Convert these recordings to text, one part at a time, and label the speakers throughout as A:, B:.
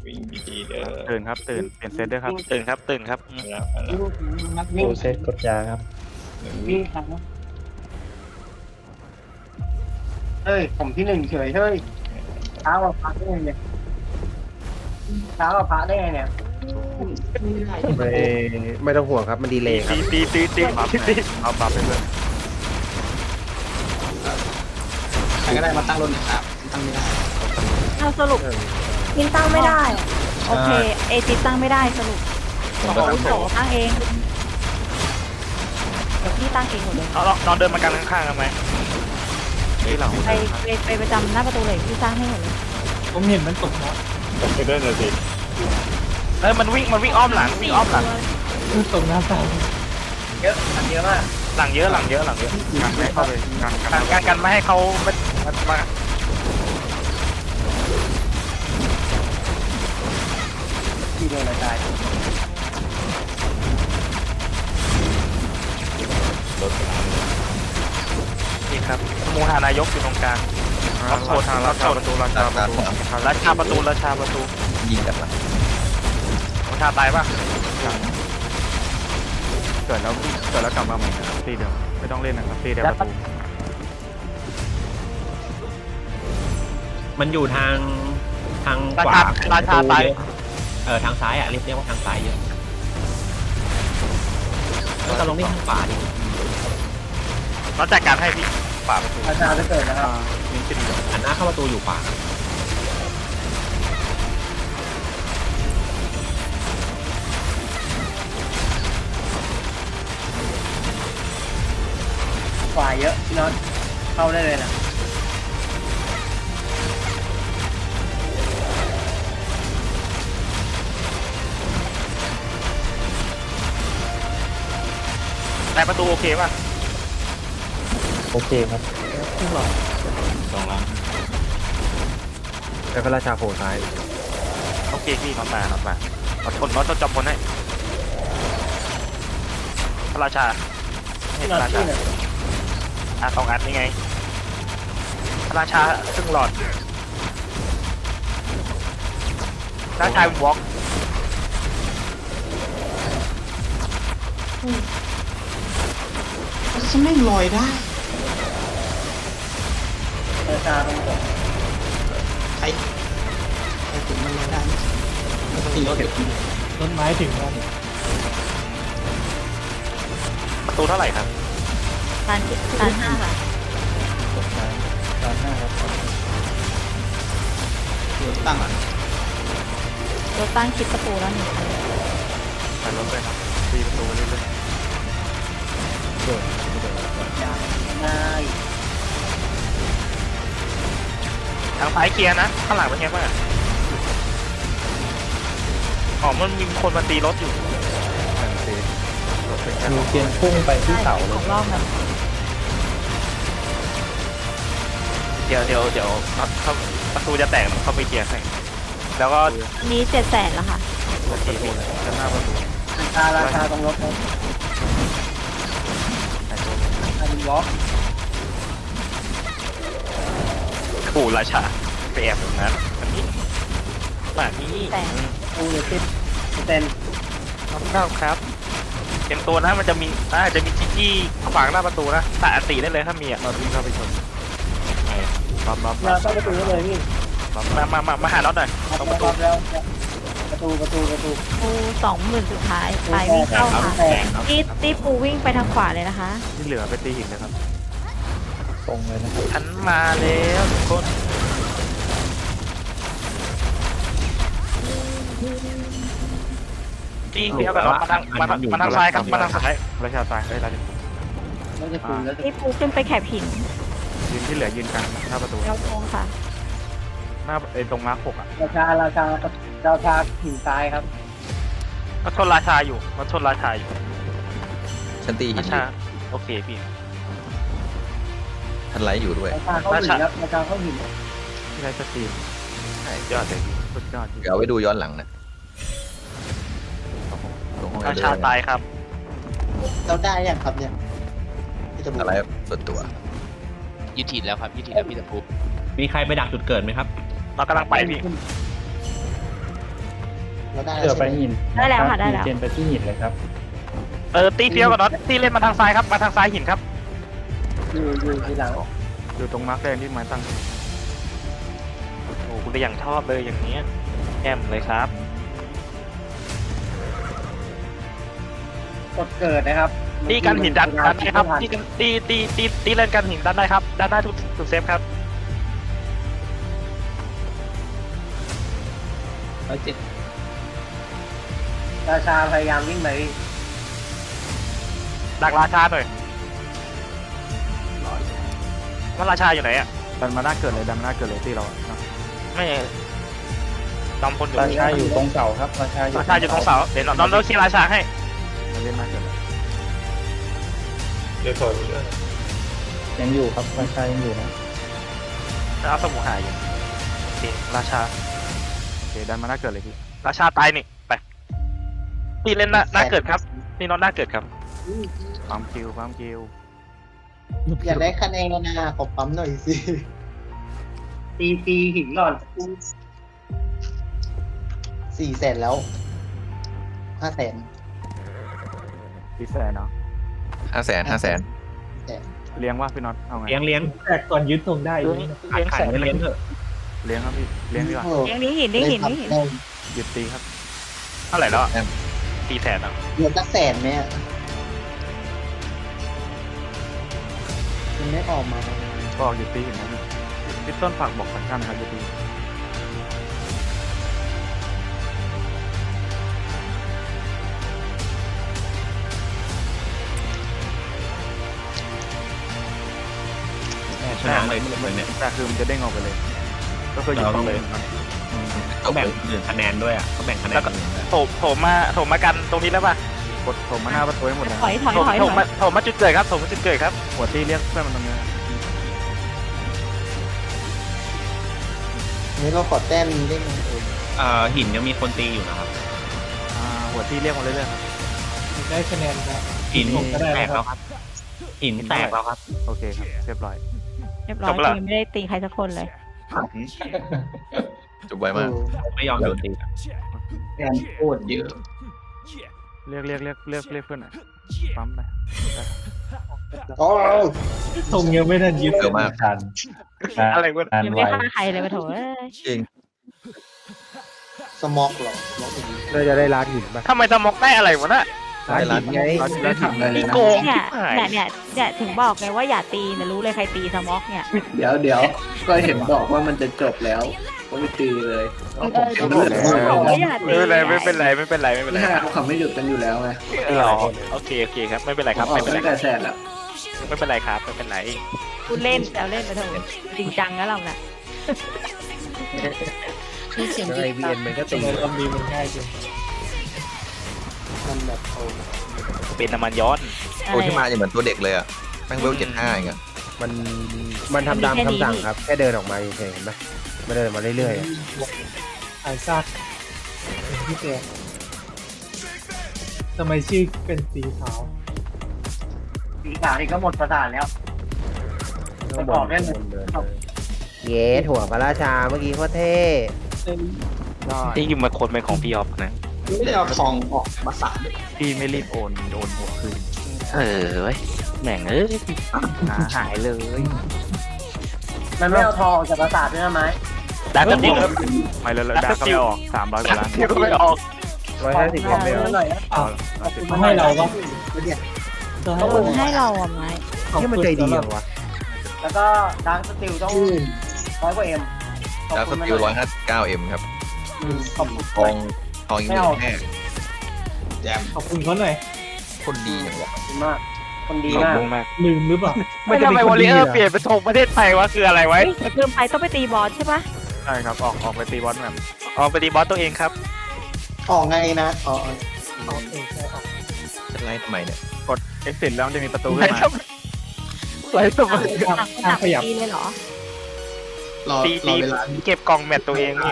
A: วิ่งดีๆเด้อ
B: ตื่นครับตื่นเปลี่ยนเซตด้วยครับ
C: ตื่นครับตื่นครับ
A: แล้วแล้ว
D: โอเซตกดยาครับ
E: วิ่งครับเฮ้ยผมที่หนึ่งเฉยเฮ้ยเช้ากว่าพระได้ไงเนี่ยเช้ากว่าพระได้ไงเนี่ย
F: ไม่ต้องห่วงครับมันดีเลยครับ
C: ตี
B: บัฟไงเอาบัฟไปเพื่อน
G: ใครก็ได้มาตั้งรถหน่อยครับตั้งไม่ได้
H: เอาสรุปมินตั้งไม่ได้ โอเค เอจิตั้งไม่ได้สรุป
G: ผมก็ตั้ง
H: โถตั้งเอง เดี๋ยวพี่ตั้งเองหมดเลย
C: เอานอนเดินมากันข้างๆกันไหม
B: นี่หลัง
H: ไปประจำหน้าประตูเลยพี่สร้างให้หมดเลย
D: ผมเห็นมันตกนะ
A: ผมไปด้วยนะสิ
C: เฮ้ยมันวิ่งอ้อมหลังวิ่งอ้อมหลัง
D: ตกหน้าตา
E: เยอะมันเยอะมาก
C: หลังเยอะหลังเยอะ
B: งานไม่เข้าเลยงาน
C: กันไม่ให้เขามา
E: ที่โดนอะไรตาย
A: รถสนาม
C: นี่ครับมูหานายกอยู่ตรงกลาง
B: ราชาประตูราชาประตู
C: ราชาประตู
G: ยิงกันมา
C: ราชาตายป่ะ
B: เกิดแล้วกลับมาใหม่นะครับตีเดิมไม่ต้องเล่นนะครับตีเดียวประตู
F: มันอยู่ทางขวา
C: ราชาตาย
F: ทางซ้ายอ่ะเรียกว่าทางซ้ายเยอะแล้วก็ลงที่ทางขวาดิ
C: เราจัดการให้พี่ป่าประตู
E: อาจารย์จะเกิดนะครับ
B: มินติด
F: หันหน้าเข้าประตูอยู่ขวา
E: ฝ่ายเยอะพี่น็อตเข้าได้เลยนะ
C: แต่ประตูโอเคป่ะ
D: โอเคครับ
A: สองล้าน
B: แล้วก็ราชาโผล่ซ้าย
C: โอเคพี่น็อตมาอดทนน็อตต้องจำคนให้พระราชา
E: พี่น็อตที่เนี่ย
C: สองอันนี่ไงพระราชาซึ่งหลอดราชาวินวอล์ก
G: ฉันไม่ลอยได้
E: อาจารย์ตรงนี้
G: ใครถึงมันลอยได้ตีรถอยู่
D: ต้นไม้ถึงแล้ว
C: ประตูเท่าไหร่ครับ
H: การ5ค่ะ
D: ตามหน้าครับ
G: รถตั้งอ่ะ
H: รถตั้งคิดประตูแล้ว1 คัน
B: ไปรถเลยครับตีประตูไปเรื่อย
E: ยางนาย
C: ทางซ้ายเคลียร์นะข้างหลังเป็นไงบ้างอ๋อมันมีคนมาตีรถอยู่
B: ๆแต่ตีรถเป็นแค่
D: มีเกียนพุ่งไปที่เสาเลย
H: ของรอบนั้น
C: เดี๋ยวเขาประตูจะแตกเขาไปเคลียร์ให้แล้วก็
H: อันนี้700,000แล้วค่ะ
B: ประตูเลยด้านหน้าประตู
E: ราชาตรงรถนะ
B: แต่ตัว
E: อารินวอล์ก
C: ปู่ราชาไปแอบตรงนั้นอันนี้แบบนี้
H: แต่
E: ปูเลยติดเต็น
C: ครับเต็มตัวนะมันจะมีจิจี้ขวางหน้าประตูนะแต่อติได้เลยถ้ามีอ่ะ
B: มาวิ่งเข้าไปชนบัฟ
E: เราเข้าประตูได้เลยพี่
C: มาหาน็อตหน่อยตรงประตู
E: แล้วประตู
H: ปู20,000สุดท้ายไปวิ่งเข้าค่ะตีปูวิ่งไปทางขวาเลยนะคะ
B: ที่เหลือไปตีหินนะครับ
D: ตรงเลยนะครับ
C: ฉันมาแล้วทุกคนตีเอาแบบมาทางซ้ายครับมาทางซ้าย
B: ราชาตายได้ราชา
E: แล้วจะปูแล้ว
H: ตีปูขึ้นไปแคบหิน
B: ยืนที่เหลือยืนกลางหน้าประตู
H: แล้วโค้งค่ะ
B: หน้าตรงมาร์ค6อ่ะ
E: ราชาหินซ้ายครับ
C: มาชนราชาอยู่
G: ฉันตีหิ
C: ราน ชาโอเคพี่
G: ฉันไลฟ์อยู่ด้วย
E: ราชาเข้าหินครับราชาเข้าหิน
B: ที่ไรสตรีม
C: ยอดเลย
B: สุดยอด
G: เดี๋ยวเอาไว้ดูย้อนหลังนะลงห้อง
C: ราชาตายครับ
E: เราได้ยังครับเนี่ย
G: อะไรส่วนตัว
I: ยึดถิ่นแล้วครับยึดถิ่นแล้วพี่ตะพู
F: มีใครไปดักจุดเกิดไหมครับ
C: เรากำลังไปพี่
G: เราได้
D: เสื
G: แล้ว
D: อไป
G: ใช่ไหม
D: หิน
H: ได้แล้วค่ะได้แล้ว
D: เจนไปที่หินเลยครับ
C: ตีเฟี้ยวกับน็อตตีเล่นมาทางซ้ายครับมาทางซ้ายหินครับ
E: อยู่ทีหลัง
B: อยู่ตรงมาร์คแดงที่ไม้ตั้ง
C: โอ้โหคุณไปอย่างชอบเลยอย่างเนี้ยแอมเลยครับ
E: กดเกิดนะครับ
C: ตีกันหินดันได้ครับตีกันตีเล่นกันหินดันได้ครับดันได้ทุกเซฟครับ
E: 107ราชาพยายามวิ่งไป
C: ดักราชาหน่อยว่าราชาอยู่ไหนอ่ะ
B: ดันมาหน้าเกิดเลยดันมาหน้าเกิดเลยที่เราอะเนาะ
C: ไม่จอมพลอยู่
D: ราชาอยู่ตรงเสาครับราชาอยู่
C: ราชาอยู่ตรงเสาเดี๋ยวน้องเคลียร์ราชาให้
B: มาเล่นหน้าเกิดเลย
A: เดี๋ยวถอยไปด้วย
D: ยังอยู่ครับราชายังอยู่นะ
C: เอาสมุนหายอยู่โอเคราชา
B: โอเคดันมาหน้าเกิดเลยพี่
C: ราชาตายนี่ไปพี่เล่นหน้าเกิดครับพี่น้องหน้าเกิดครับ
B: ปั๊มคิวปั๊มคิว
G: อยากได้คะแนนนะขอปั๊มหน่อยสิ
E: ตีหินก่อน
G: 400,000แล้ว500,000
B: พี่แสนเนาะ
F: 500,000
B: เลี้ยงว่าพี่น็อตเอาไง
F: เลี้ยง
D: แต่ก่อนยึดตรงได้อยู่
C: เลี้ยงแสน
F: เลี้ยงเถอะ
B: เลี้ยงครับพี่เลี้ยงดีกว่า
H: เลี้ยงนี้หินนี่หินนี่หิน
B: หยุดตีครับ
C: เท่าไหร่แล้วตีแสนอ่ะ
G: เดือนละ100,000ไหมอะมันไม่ออกมา
B: ก็หยุดตีเห็นไหมพี่ต้นฝากบอกสัญญาณครับหยุดตี
F: ชนะเลยเนี่ย
B: แต่คือมันจะเด้งออกไปเลย ก็คือหยุดต้องเลย
F: เขาแบ่งคะแนนด้วยอ่ะเขาแบ่งคะแนน
C: โถมมากันตรงนี้แล้วป่ะ
B: กดผมมาหน้าประตูให้หมดเลย
H: ถอยถอย
C: โถ
H: ถอย
C: โถ
H: ถ
C: มา
H: อย
C: โถมาจุดเกิดครับโถมาจุดเกิดครับ
B: หัวตีเรียกเพื่อนมันตรงนี้
G: นี่เราขอแต้มนี้ได้ไหม
F: หินยังมีคนตีอยู่นะครับ
B: หัวตีเรียกมาเรื่อยๆครับ
D: ได้คะแนนครับ
F: หินแตกแล้วครับหินแตกแล้วครับ
B: โอเคครับเรียบร้อย
H: เรียบร้อยยังไม่ได้ตีใครสักคนเลย
F: จบไวมากไม่ยอมโดนตี
G: แต้มโคตรเยอะ
B: เรียกเพื่อนหน่อยปั๊มไป
G: โอ้
D: ตรงยังไม่ทันยึดทัน
C: อะไรวะ
D: นาน
H: ยัง
D: ไว
H: ไม่ฆ่าใครเลยมาโถเอ้ย
G: สมอกเหรอสมอกอย่างนี้
D: เราจะได้ล้างหินป่ะ
C: ทำไมสมอกได้อะไรวะน่ะ
D: ล้างหินไงไม่ทำอะไรเลย
C: นี่
D: นะ
C: โกง
H: เนี่ยถึงบอกไงว่าอย่าตีนะรู้เลยใครตีสม็อกเนี่ย
E: เดี๋ยวก็เห็นบอกว่ามันจะจบแล้วก็ไม่ตีเลย
H: บอกว่าอย่าตี
C: ไม่เป็นไรไม่เป็นไร
E: เขาไม่หยุดกันอยู่แล้วไง
C: โอเคครับไม่เป็นไรครับ
E: ออ
C: ไม่
E: ก
C: เป็นไร
E: ตั้งแต่แสนแล้ว
C: ไม่เป็นไรครับไม่เป็นไร
H: คุณเล่นแต่เล่นมาโถจริงจังนะเราน่ะ
G: ที่เสียง
D: ไอวีเอ็นมันก็ตีความดีมันง่ายจริง
G: มันแบบโอ้
C: เป็นน้ำมันย้อน
H: โอ้ที่มา
F: เหมือนตัวเด็กเลยอ่ะแม่งเวล75อย่างเงี้ย
D: มันทำตามคำสั่งครับแค่เดินออกมาเฉยๆเห็นไหมมันเดินมาเรื่อยๆไอ้ซากพี่แกทำไมชื่อเป็นสีขาว
E: สีขาวนี่ก็หมดประสาทแล้วไปบอกได้เลย
D: เย้ถั่วพระราชาเมื่อกี้โคตรเท่
C: ที่อยู่มาคนเป็นของพี่ออฟนะ
G: ไม่ได้เอาทองออกมาสาดเลย
B: พี่ไม่รีบโอนหัวคืน
C: เว้ยแม่งหายเลย
E: มันไม่เอาทองออกจากประสาทด้วยนะไหม
C: ดักก็ติว
B: ไม่แล้วดาก็ไม่ออก300 กว่าล้าน
C: ติวก็ไม่ออก
D: 150ยังไม่เอา
E: หน่อยนะ
B: เอา
D: มาให้เราก็
H: คุณให้เราอ่ะไหม
D: ที่มันใจดีเหรอวะ
E: แล้วก็ดาร์คสติลต้อง100 กว่าเอ็ม
F: แล้วสกิล159M ครับ
E: ขอบคุณ
F: ทองอีก1แน่แจม
D: ขอบคุณเขาหน่อย
F: คนดีอย่างวะ
E: มาก คนดี
C: ขอบ
E: มาก
C: คุณมาก
D: ลืมหรือเปล่า
C: ไม่ทำไมวอลเลเยอร์เปลี่ยนเป็นธงประเทศไทยวะคืออะไรไว้
H: ลืมไปต้องไปตีบอสใช่ปะ
B: ใช่ครับออกไปตีบอลแบบ
C: ออกไปดีบอสตัวเองครับ
G: ออกไงนะอ๋อ
F: จะไล่ทำไมเนี่ย
B: กด exit แล้วมันจะมีประตูขึ้นมา
C: ไรสม
H: ต่างตีเลยเหรอ
G: รอ
C: ตี
G: เวลา
C: เก็บกล่องแมตตัวเองนี่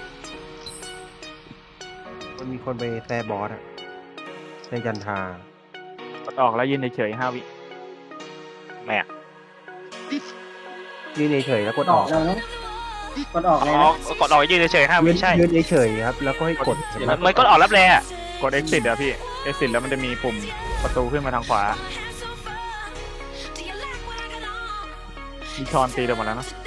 D: มันมีคนไปแซ่บอสอะในจันทาก
B: ดออกแล้วยืนเฉยๆ5 วิ
C: แม่
D: ยืนเฉยๆแล้วกด
E: อ
D: อ
E: อ
D: อก ก
E: แล้วเนาะกดออกเลย
C: อ๋
E: นะ
C: อกดออกยืนเฉยๆห้าวิใช่
D: ยืนเฉยๆครับแล้วก็ให้กดเห็นไหม
C: มันกดออกรับแรงอ่ะ
B: กด exit อะพี่ exit แล้วมันจะมีปุ่มประตูขึ้นมาทางขวามีชอนตีเดี๋ยวหมดแล้วนะ